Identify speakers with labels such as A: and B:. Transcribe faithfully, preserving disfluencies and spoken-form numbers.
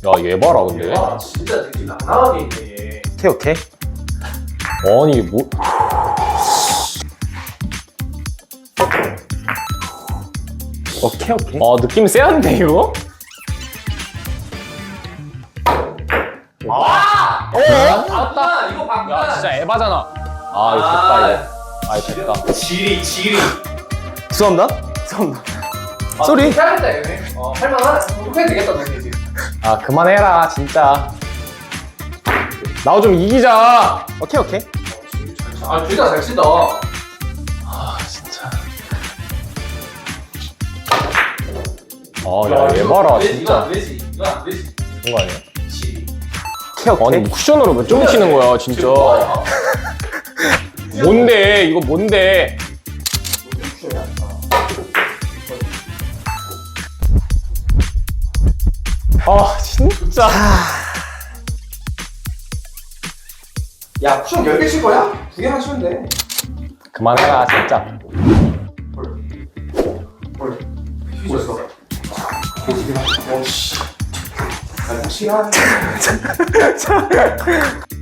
A: 얘 봐라 근데.
B: 와 진짜 느낌 낭낭하게 있네 얘.
C: 오케이 오케이.
A: 아니 뭐.
C: 오케이 오케이.
A: 아 느낌 세한데 이거?
B: 와!
A: 어?
B: 봤다 이거 봤다.
A: 야 진짜 에바잖아. 아 이거 됐다 이거. 아 이거 됐다.
B: 지리 지리.
C: 죄송합니다. 죄송합니다.
B: 아,
C: 쏘리.
B: 해야겠다 얘네. 어 할만하네. 해도 되겠다 너네 지금.
A: 아 그만해라 진짜. 나도 좀 이기자.
C: 오케이 오케이.
B: 아 둘 다 잘 친다.
A: 아 진짜. 아야얘 봐라
B: 이거
A: 진짜.
B: 안 되지. 이거 안 되지.
A: 그런 거 아니야?
B: 지리.
C: 오케이 오케이.
A: 아니 뭐 쿠션으로 몇 점 치는 거야 진짜.
B: 지금 뭐야?
A: 뭔데 이거 뭔데? 아 진짜.
B: 야 쿠션 열 개 칠 거야? 두 개만 치면 돼.
A: 그만해라 진짜.
B: 뭘? 휘졌어. 휘지기만. 오씨. 아, 확실한.